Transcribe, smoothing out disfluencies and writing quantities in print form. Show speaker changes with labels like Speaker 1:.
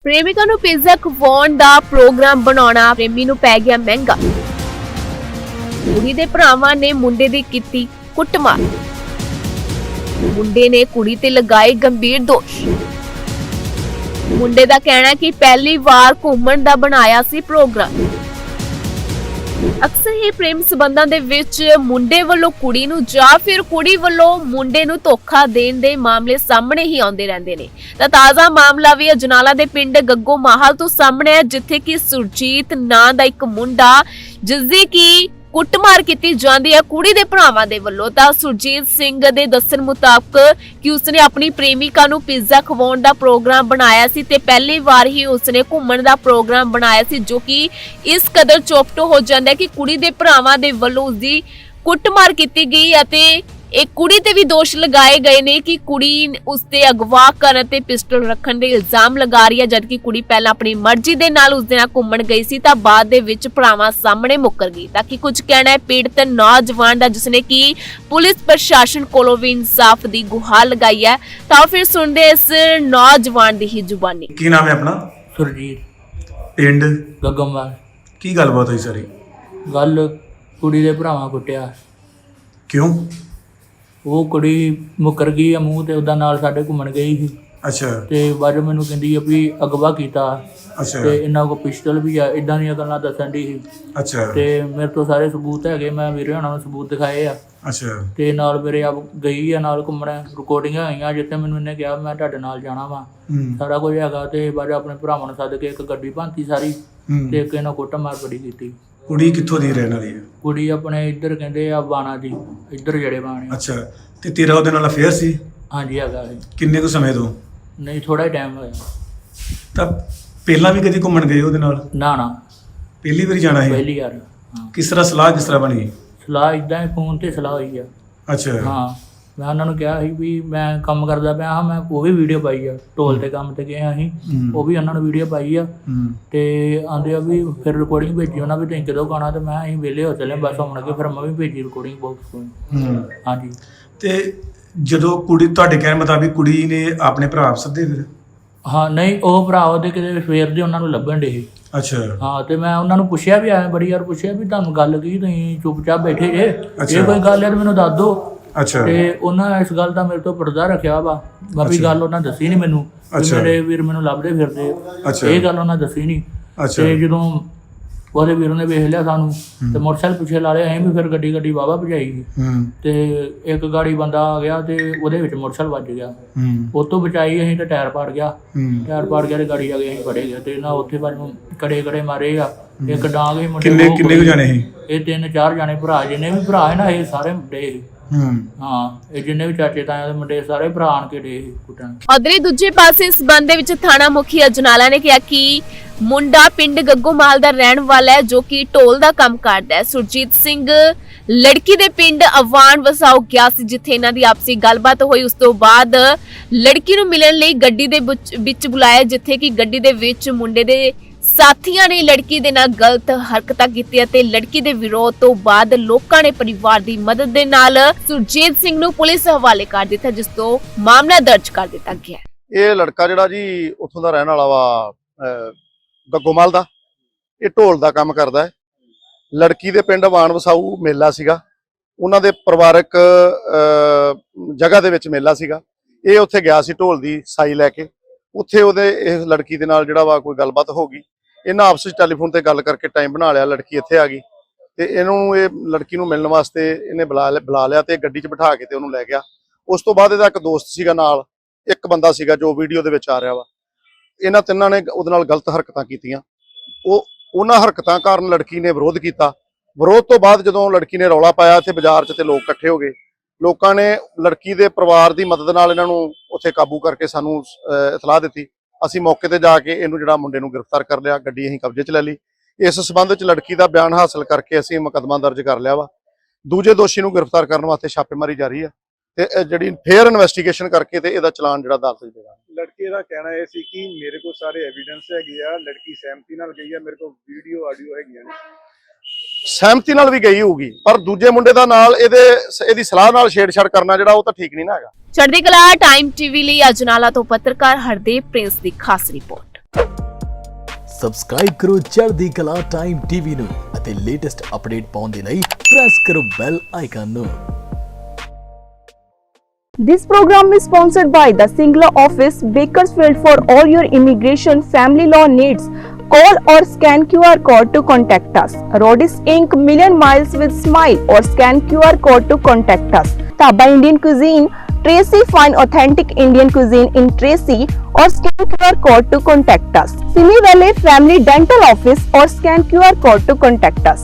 Speaker 1: ਪ੍ਰੇਮਿਕਾ ਨੂੰ ਪੀਜ਼ਾ ਖਵਾਉਣ ਦਾ ਪ੍ਰੋਗਰਾਮ ਬਣਾਉਣਾ ਪ੍ਰੇਮੀ ਨੂੰ ਪੈ ਗਿਆ ਮਹਿੰਗਾ। ਕੁੜੀ ਦੇ ਭਰਾਵਾਂ ਨੇ ਮੁੰਡੇ ਦੀ ਕੀਤੀ ਕੁੱਟਮਾਰ। ਮੁੰਡੇ ਨੇ ਕੁੜੀ ਤੇ ਲਗਾਏ ਗੰਭੀਰ ਦੋਸ਼। ਮੁੰਡੇ ਦਾ ਕਹਿਣਾ ਹੈ ਕਿ ਪਹਿਲੀ ਵਾਰ ਘੁੰਮਣ ਦਾ ਬਣਾਇਆ ਸੀ ਪ੍ਰੋਗਰਾਮ। ਅਕਸਰ ਹੀ ਪ੍ਰੇਮ ਸੰਬੰਧਾਂ ਦੇ ਵਿੱਚ ਮੁੰਡੇ ਵੱਲੋਂ ਕੁੜੀ ਨੂੰ ਜਾਂ ਫਿਰ ਕੁੜੀ ਵੱਲੋਂ ਮੁੰਡੇ ਨੂੰ ਧੋਖਾ ਦੇਣ ਦੇ ਮਾਮਲੇ ਸਾਹਮਣੇ ਹੀ ਆਉਂਦੇ ਰਹਿੰਦੇ ਨੇ। ਤਾਂ ਤਾਜ਼ਾ ਮਾਮਲਾ ਵੀ ਅਜਨਾਲਾ ਦੇ ਪਿੰਡ ਗੱਗੋ ਮਾਹਲ ਤੋਂ ਸਾਹਮਣੇ ਹੈ, ਜਿੱਥੇ ਕਿ ਸੁਰਜੀਤ ਨਾਂ ਦਾ ਇੱਕ ਮੁੰਡਾ ਜਿਸ ਦੀ ਕਿ ਕੁੱਟਮਾਰ ਕੀਤੀ ਜਾਂਦੀ ਹੈ ਕੁੜੀ ਦੇ ਭਰਾਵਾਂ ਦੇ ਵੱਲੋਂ। ਤਾਂ ਸੁਰਜੀਤ ਸਿੰਘ ਦੇ ਦੱਸਣ ਮੁਤਾਬਕ ਕਿ ਉਸਨੇ ਆਪਣੀ ਪ੍ਰੇਮਿਕਾ ਨੂੰ ਪੀਜ਼ਾ ਖਵਾਉਣ ਦਾ ਪ੍ਰੋਗਰਾਮ ਬਣਾਇਆ ਸੀ ਤੇ ਪਹਿਲੀ ਵਾਰ ਹੀ ਉਸਨੇ ਘੁੰਮਣ ਦਾ ਪ੍ਰੋਗਰਾਮ ਬਣਾਇਆ ਸੀ, ਜੋ ਕਿ ਇਸ ਕਦਰ ਚੋਪਟੋ ਹੋ ਜਾਂਦਾ ਹੈ ਕਿ ਕੁੜੀ ਦੇ ਭਰਾਵਾਂ ਦੇ ਵੱਲੋਂ ਉਸਦੀ ਕੁੱਟਮਾਰ ਕੀਤੀ ਗਈ ਅਤੇ ਇਹ ਕੁੜੀ ਤੇ ਵੀ ਦੋਸ਼ ਲਗਾਏ ਗਏ ਨੇ ਕਿ ਕੁੜੀ ਉਸ ਤੇ ਅਗਵਾ ਕਰਨ ਤੇ ਪਿਸਟਲ ਰੱਖਣ ਦੇ ਇਲਜ਼ਾਮ ਲਗਾ ਰਹੀ ਹੈ, ਜਦਕਿ ਕੁੜੀ ਪਹਿਲਾਂ ਆਪਣੀ ਮਰਜ਼ੀ ਦੇ ਨਾਲ ਉਸ ਦੇ ਨਾਲ ਘੁੰਮਣ ਗਈ ਸੀ ਤਾਂ ਬਾਅਦ ਦੇ ਵਿੱਚ ਭਰਾਵਾਂ ਸਾਹਮਣੇ ਮੁੱਕਰ ਗਈ। ਤਾਂ ਕਿ ਕੁਝ ਕਹਿਣਾ ਹੈ ਪੀੜਤ ਨੌਜਵਾਨ ਦਾ, ਜਿਸਨੇ ਕਿ ਪੁਲਿਸ ਪ੍ਰਸ਼ਾਸਨ ਕੋਲੋਂ ਵੀ ਇਨਸਾਫ ਦੀ ਗੁਹਾਰ ਲਗਾਈ ਹੈ। ਤਾਂ ਫਿਰ ਸੁਣਦੇ ਇਸ ਨੌਜਵਾਨ ਦੀ ਹੀ ਜ਼ੁਬਾਨੀ।
Speaker 2: ਕੀ ਨਾਮ ਹੈ ਆਪਣਾ?
Speaker 3: ਸੁਰਜੀਤ,
Speaker 2: ਪਿੰਡ
Speaker 3: ਗੱਗੋਮਾਲ।
Speaker 2: ਕੀ ਗੱਲਬਾਤ ਹੋਈ ਸਾਰੀ?
Speaker 3: ਗੱਲ ਕੁੜੀ ਦੇ ਭਰਾਵਾਂ ਕੁੱਟਿਆ।
Speaker 2: ਕਿਉਂ?
Speaker 3: ਉਹ ਕੁੜੀ ਮੁੱਕਰ ਗਈ ਆ ਮੂੰਹ ਤੇ ਉਹਦਾ ਨਾਲ ਸਾਡੇ ਘੁੰਮਣ ਗਈ ਸੀ
Speaker 2: ਅੱਛਾ
Speaker 3: ਤੇ ਬਾਅਦ ਮੈਨੂੰ ਕਹਿੰਦੀ ਆ ਵੀ ਅਗਵਾ ਕੀਤਾ
Speaker 2: ਅੱਛਾ
Speaker 3: ਤੇ ਇਹਨਾਂ ਕੋਲ ਪਿਸਟਲ ਵੀ ਆ, ਇਦਾਂ ਦੀਆਂ ਗੱਲਾਂ ਦੱਸਣ ਦੀ ਸੀ।
Speaker 2: ਅੱਛਾ
Speaker 3: ਤੇ ਮੇਰੇ ਤੋਂ ਸਾਰੇ ਸਬੂਤ ਹੈਗੇ, ਮੈਂ ਵੀਰੇ ਹੁਣਾਂ ਨੂੰ ਸਬੂਤ ਦਿਖਾਏ ਆ।
Speaker 2: ਅੱਛਾ
Speaker 3: ਤੇ ਨਾਲ ਮੇਰੇ ਆਪ ਗਈ ਆ ਨਾਲ ਘੁੰਮਣ, ਰਿਕਾਰਡਿੰਗਾਂ ਆਈਆਂ ਜਿੱਥੇ ਮੈਨੂੰ ਇਹਨੇ ਕਿਹਾ ਮੈਂ ਤੁਹਾਡੇ ਨਾਲ ਜਾਣਾ ਵਾ, ਸਾਰਾ ਕੁਝ ਹੈਗਾ। ਤੇ ਬਾਅਦ ਆਪਣੇ ਭਰਾਵਾਂ ਨੂੰ ਸੱਦ ਕੇ ਇੱਕ ਗੱਡੀ ਭਾਂਤੀ ਸਾਰੀ ਤੇ ਇੱਕ ਇਹਨਾਂ ਕੁੱਟਮਾਰ ਬੜੀ ਕੀਤੀ।
Speaker 2: ਕੁੜੀ ਕਿੱਥੋਂ ਦੀ ਰਹਿਣ ਵਾਲੀ ਹੈ?
Speaker 3: ਕੁੜੀ ਆਪਣੇ ਇੱਧਰ ਕਹਿੰਦੇ ਆ ਬਾਣਾ ਦੀ, ਇੱਧਰ ਜਿਹੜੇ ਬਾਣੇ।
Speaker 2: ਅੱਛਾ, ਤੇ ਤੇਰਾ ਉਹਦੇ ਨਾਲ ਅਫੇਅਰ ਸੀ?
Speaker 3: ਹਾਂਜੀ ਹੈਗਾ ਸੀ।
Speaker 2: ਕਿੰਨੇ ਕੁ ਸਮੇਂ ਤੋਂ?
Speaker 3: ਨਹੀਂ ਥੋੜਾ ਹੀ ਟਾਈਮ ਹੋਇਆ।
Speaker 2: ਤਾਂ ਪਹਿਲਾਂ ਵੀ ਕਦੀ ਘੁੰਮਣ ਗਏ ਉਹਦੇ ਨਾਲ?
Speaker 3: ਨਾ ਨਾ,
Speaker 2: ਪਹਿਲੀ ਵਾਰੀ ਜਾਣਾ ਹੈ?
Speaker 3: ਪਹਿਲੀ ਵਾਰ। ਹਾਂ,
Speaker 2: ਕਿਸ ਤਰ੍ਹਾਂ ਸਲਾਹ ਕਿਸ ਤਰ੍ਹਾਂ ਬਣੀ?
Speaker 3: ਸਲਾਹ ਇਦਾਂ ਹੀ ਫੋਨ ਤੇ ਸਲਾਹ ਹੋਈ ਆ।
Speaker 2: ਅੱਛਾ
Speaker 3: ਹਾਂ, ਮੈਂ ਉਹਨਾਂ ਨੂੰ ਕਿਹਾ ਸੀ ਵੀ ਮੈਂ ਕੰਮ ਕਰਦਾ ਪਿਆ ਹਾਂ, ਮੈਂ ਉਹ ਵੀ ਵੀਡੀਓ ਪਾਈ ਆ, ਢੋਲ ਤੇ ਕੰਮ ਤੇ ਗਏ ਅਸੀਂ, ਉਹ ਵੀ ਉਹਨਾਂ ਨੂੰ ਵੀਡੀਓ ਪਾਈ ਆ। ਤੇ ਆਂਦੇ ਆ ਵੀ ਫਿਰ ਰਿਕਾਰਡਿੰਗ ਭੇਜੀ ਉਹਨਾਂ ਵੀ, ਤੁਸੀਂ ਕਦੋਂ ਗਾਣਾ? ਤੇ ਮੈਂ ਅਸੀਂ ਵਿਹਲੇ ਹੋ ਚੱਲੇ ਬਸ ਆਉਣ ਲੱਗੇ, ਫਿਰ ਮੈਂ ਵੀ ਭੇਜੀ ਰਿਕਾਰਡਿੰਗ ਬਾਕਸ ਤੋਂ। ਹਾਂਜੀ।
Speaker 2: ਤੇ ਜਦੋਂ ਕੁੜੀ ਤੁਹਾਡੇ ਕਹਿਣ ਮੁਤਾਬਿਕ ਕੁੜੀ ਨੇ ਆਪਣੇ ਭਰਾ ਸੱਦੇ ਫਿਰ?
Speaker 3: ਹਾਂ ਨਹੀਂ, ਉਹ ਭਰਾ ਉਹਦੇ ਕਿਤੇ ਸਵੇਰ ਦੇ ਉਹਨਾਂ ਨੂੰ ਲੱਭਣ ਡੇ।
Speaker 2: ਅੱਛਾ
Speaker 3: ਹਾਂ, ਤੇ ਮੈਂ ਉਹਨਾਂ ਨੂੰ ਪੁੱਛਿਆ ਵੀ ਆਇਆ ਬੜੀ ਵਾਰ ਪੁੱਛਿਆ ਵੀ ਤੁਹਾਨੂੰ ਗੱਲ ਕੀ, ਤੁਸੀਂ ਚੁੱਪਚਾਪ ਬੈਠੇ ਜੇ, ਜੇ ਕੋਈ ਗੱਲ ਹੈ ਤਾਂ ਮੈਨੂੰ ਦੱਸ ਦਿਓ।
Speaker 2: ਅੱਛਾ।
Speaker 3: ਤੇ ਉਹਨਾਂ ਇਸ ਗੱਲ ਦਾ ਮੇਰੇ ਤੋਂ ਪਰਦਾ ਰੱਖਿਆ ਵਾ, ਬਾਕੀ ਗੱਲ ਉਹਨਾਂ ਦੱਸੀ ਨਹੀਂ ਮੈਨੂੰ। ਮੇਰੇ ਵੀਰ ਮੈਨੂੰ ਲੱਭਦੇ ਫਿਰਦੇ, ਇਹ ਗੱਲ ਉਹਨਾਂ ਦੱਸੀ ਨਹੀਂ। ਤੇ ਜਦੋਂ ਉਹਦੇ ਵੀਰ ਨੇ ਵੇਖ ਲਿਆ ਸਾਨੂੰ ਤੇ ਮੋਟਰਸਾਈਕਲ ਪਿੱਛੇ ਲਾ ਲਿਆ, ਅਸੀਂ ਵੀ ਫਿਰ ਗੱਡੀ ਵਾਹਵਾ ਭਜਾਈ ਤੇ ਇੱਕ ਗਾੜੀ ਬੰਦਾ ਆ ਗਿਆ ਤੇ ਉਹਦੇ ਵਿੱਚ ਮੋਟਰਸਾਈਕਲ ਵੱਜ ਗਿਆ। ਉਹ ਤੋਂ ਬਚਾਈ ਅਸੀਂ ਤੇ ਟਾਇਰ ਪਾੜ ਗਿਆ ਤੇ ਗਾੜੀ ਆ ਗਈ, ਅਸੀਂ ਫੜੇ ਗਏ ਤੇ ਨਾ ਉੱਥੇ ਬਾਅਦ ਕੜੇ ਮਾਰੇ ਆ। ਇੱਕ ਡਾਂਗ ਹੀ ਮੁੰਡੇ।
Speaker 2: ਕਿੰਨੇ ਕੁ ਜਾਣੇ ਸੀ ਇਹ?
Speaker 3: 3-4 ਜਾਣੇ ਭਰਾ, ਜਿੰਨੇ ਵੀ ਭਰਾ ਹੈ ਨਾ ਇਹ ਸਾਰੇ ਮੁੰਡੇ। ਹਾਂ, ਇਹ ਜਿੰਨੇ ਵੀ ਚਾਚੇ ਤਾਇਆ ਦੇ ਮੁੰਡੇ ਸਾਰੇ ਭਰਾ ਆਣ ਕੇ ਡੇ ਕੁੱਟਣ।
Speaker 1: ਅਦਰੇ ਦੂਜੇ ਪਾਸੇ ਇਸ ਸੰਬੰਧ ਦੇ ਵਿੱਚ ਥਾਣਾ ਮੁਖੀ ਅਜਨਾਲਾ ਨੇ ਕਿਹਾ ਕਿ ਮੁੰਡਾ ਪਿੰਡ ਗੱਗੋਮਾਲ ਦਾ ਰਹਿਣ ਵਾਲਾ ਹੈ, ਜੋ ਕਿ ਢੋਲ ਦਾ ਕੰਮ ਕਰਦਾ ਹੈ। ਸੁਰਜੀਤ ਸਿੰਘ ਲੜਕੀ ਦੇ ਪਿੰਡ ਅਵਾਨ ਵਸਾਓ ਗਿਆ ਸੀ, ਜਿੱਥੇ ਇਹਨਾਂ ਦੀ ਆਪਸੀ ਗੱਲਬਾਤ ਹੋਈ। ਉਸ ਤੋਂ ਬਾਅਦ ਲੜਕੀ ਨੂੰ ਮਿਲਣ ਲਈ ਗੱਡੀ ਦੇ ਵਿੱਚ ਬੁਲਾਇਆ, ਜਿੱਥੇ ਕਿ ਗੱਡੀ ਦੇ ਵਿੱਚ ਮੁੰਡੇ ਦੇ ਸਾਥੀਆਂ ਨੇ ਲੜਕੀ ਦੇ ਨਾਲ ਗਲਤ ਹਰਕਤਾਂ ਕੀਤੀਆਂ ਤੇ ਲੜਕੀ ਦੇ ਵਿਰੋਧ ਤੋਂ ਬਾਅਦ ਲੋਕਾਂ ਨੇ ਪਰਿਵਾਰ ਦੀ ਮਦਦ ਦੇ ਨਾਲ ਸੁਰਜੀਤ ਸਿੰਘ ਨੂੰ ਪੁਲਿਸ ਹਵਾਲੇ ਕਰ ਦਿੱਤਾ, ਜਿਸ ਤੋਂ ਮਾਮਲਾ ਦਰਜ ਕਰ ਦਿੱਤਾ ਗਿਆ।
Speaker 4: ਇਹ ਲੜਕਾ ਜਿਹੜਾ ਜੀ ਉੱਥੋਂ ਦਾ ਰਹਿਣ ਵਾਲਾ ਵਾ, ਗੱਗੋਮਾਲ ਦਾ, ਇਹ ਢੋਲ ਦਾ ਕੰਮ ਕਰਦਾ ਹੈ। ਲੜਕੀ ਦੇ ਪਿੰਡ ਵਾਣ ਵਸਾਊ ਮੇਲਾ ਸੀਗਾ, ਉਹਨਾਂ ਦੇ ਪਰਿਵਾਰਕ ਜਗ੍ਹਾ ਦੇ ਵਿੱਚ ਮੇਲਾ ਸੀਗਾ। ਇਹ ਉੱਥੇ ਗਿਆ ਸੀ ਢੋਲ ਦੀ ਸਾਈ ਲੈ ਕੇ। ਉੱਥੇ ਉਹਦੇ ਇਸ ਲੜਕੀ ਦੇ ਨਾਲ ਜਿਹੜਾ ਵਾ ਕੋਈ ਗੱਲਬਾਤ ਹੋ ਗਈ। ਇਹਨਾਂ ਆਪਸ ਵਿੱਚ ਟੈਲੀਫੋਨ ਤੇ ਗੱਲ ਕਰਕੇ ਟਾਈਮ ਬਣਾ ਲਿਆ, ਲੜਕੀ ਇੱਥੇ ਆ ਗਈ ਤੇ ਇਹ ਲੜਕੀ ਨੂੰ ਮਿਲਣ ਵਾਸਤੇ ਇਹਨੇ ਬੁਲਾ ਲਿਆ ਤੇ ਗੱਡੀ 'ਚ ਬਿਠਾ ਕੇ ਤੇ ਉਹਨੂੰ ਲੈ ਗਿਆ। ਉਸ ਤੋਂ ਬਾਅਦ ਇਹਦਾ ਇੱਕ ਦੋਸਤ ਸੀਗਾ ਨਾਲ, ਇੱਕ ਬੰਦਾ ਸੀਗਾ ਜੋ ਵੀਡੀਓ ਦੇ ਵਿੱਚ ਆ ਰਿਹਾ ਵਾ। ਇਹਨਾਂ ਤਿੰਨਾਂ ਨੇ ਉਹਦੇ ਨਾਲ ਗਲਤ ਹਰਕਤਾਂ ਕੀਤੀਆਂ। ਉਹਨਾਂ ਹਰਕਤਾਂ ਕਾਰਨ ਲੜਕੀ ਨੇ ਵਿਰੋਧ ਕੀਤਾ। ਵਿਰੋਧ ਤੋਂ ਬਾਅਦ ਜਦੋਂ ਲੜਕੀ ਨੇ ਰੌਲਾ ਪਾਇਆ ਇੱਥੇ ਬਾਜ਼ਾਰ 'ਚ ਤੇ ਲੋਕ ਇਕੱਠੇ ਹੋ ਗਏ। ਲੋਕਾਂ ਨੇ ਲੜਕੀ ਦੇ ਪਰਿਵਾਰ ਦੀ ਮਦਦ ਨਾਲ ਇਹਨਾਂ ਨੂੰ ਉੱਥੇ ਕਾਬੂ ਕਰਕੇ ਸਾਨੂੰ ਇਤਲਾਹ ਦਿੱਤੀ। ਅਸੀਂ ਮੌਕੇ ਤੇ ਜਾ ਕੇ ਇਹਨੂੰ ਜਿਹੜਾ ਮੁੰਡੇ ਨੂੰ ਗ੍ਰਿਫਤਾਰ ਕਰ ਲਿਆ, ਗੱਡੀ ਅਸੀਂ ਕਬਜ਼ੇ 'ਚ ਲੈ ਲਈ। ਇਸ ਸਬੰਧ 'ਚ ਲੜਕੀ ਦਾ ਬਿਆਨ ਹਾਸਲ ਕਰਕੇ ਅਸੀਂ ਮੁਕੱਦਮਾ ਦਰਜ ਕਰ ਲਿਆ ਵਾ। ਦੂਜੇ ਦੋਸ਼ੀ ਨੂੰ ਗ੍ਰਿਫਤਾਰ ਕਰਨ ਵਾਸਤੇ ਛਾਪੇਮਾਰੀ ਜਾਰੀ ਹੈ ਤੇ ਜਿਹੜੀ ਫੇਅਰ ਇਨਵੈਸਟੀਗੇਸ਼ਨ ਕਰਕੇ ਤੇ ਇਹਦਾ ਚਲਾਨ ਜਿਹੜਾ ਅਦਾਲਤ 'ਚ ਦੇਗਾ।
Speaker 5: ਲੜਕੇ ਦਾ ਕਹਿਣਾ ਇਹ ਸੀ ਕਿ ਮੇਰੇ ਕੋਲ ਸਾਰੇ ਐਵੀਡੈਂਸ ਹੈਗੇ ਆ, ਲੜਕੀ ਸਹਿਮਤੀ ਨਾਲ ਗਈ ਆ, ਮੇਰੇ ਕੋਲ ਵੀਡੀਓ ਆਡੀਓ ਹੈਗੀਆਂ ਨੇ।
Speaker 4: ਸਹਿਮਤੀ ਨਾਲ ਵੀ ਗਈ ਹੋਊਗੀ, ਪਰ ਦੂਜੇ ਮੁੰਡੇ ਦਾ ਨਾਲ ਇਹਦੀ ਸਲਾਹ ਨਾਲ ਛੇੜਛਾੜ ਕਰਨਾ ਜਿਹੜਾ ਉਹ ਤਾਂ ਠੀਕ ਨਹੀਂ ਨਾ ਹੈਗਾ।
Speaker 1: ਚੜ੍ਹਦੀ ਕਲਾ ਟਾਈਮ ਟੀਵੀ ਲਈ ਅਜਨਾਲਾ ਤੋਂ ਪੱਤਰਕਾਰ ਹਰਦੀਪ ਪ੍ਰਿੰਸ ਦੀ ਖਾਸ ਰਿਪੋਰਟ।
Speaker 6: ਸਬਸਕ੍ਰਾਈਬ ਕਰੋ ਚੜ੍ਹਦੀ ਕਲਾ ਟਾਈਮ ਟੀਵੀ ਨੂੰ ਅਤੇ ਲੇਟੈਸਟ ਅਪਡੇਟ ਪਾਉਣ ਦੇ ਲਈ ਪ੍ਰੈਸ ਕਰੋ ਬੈਲ ਆਈਕਨ ਨੂੰ।
Speaker 7: This program is sponsored by the Singla Office, Bakersfield. For all your immigration family law needs, call or scan QR code to contact us. Rodis Inc. Million Miles with Smile, or scan QR code to contact us. Taba Indian Cuisine, Tracy, find authentic Indian cuisine in Tracy, or scan QR code to contact us. Simi Valley Family Dental Office, or scan QR code to contact us.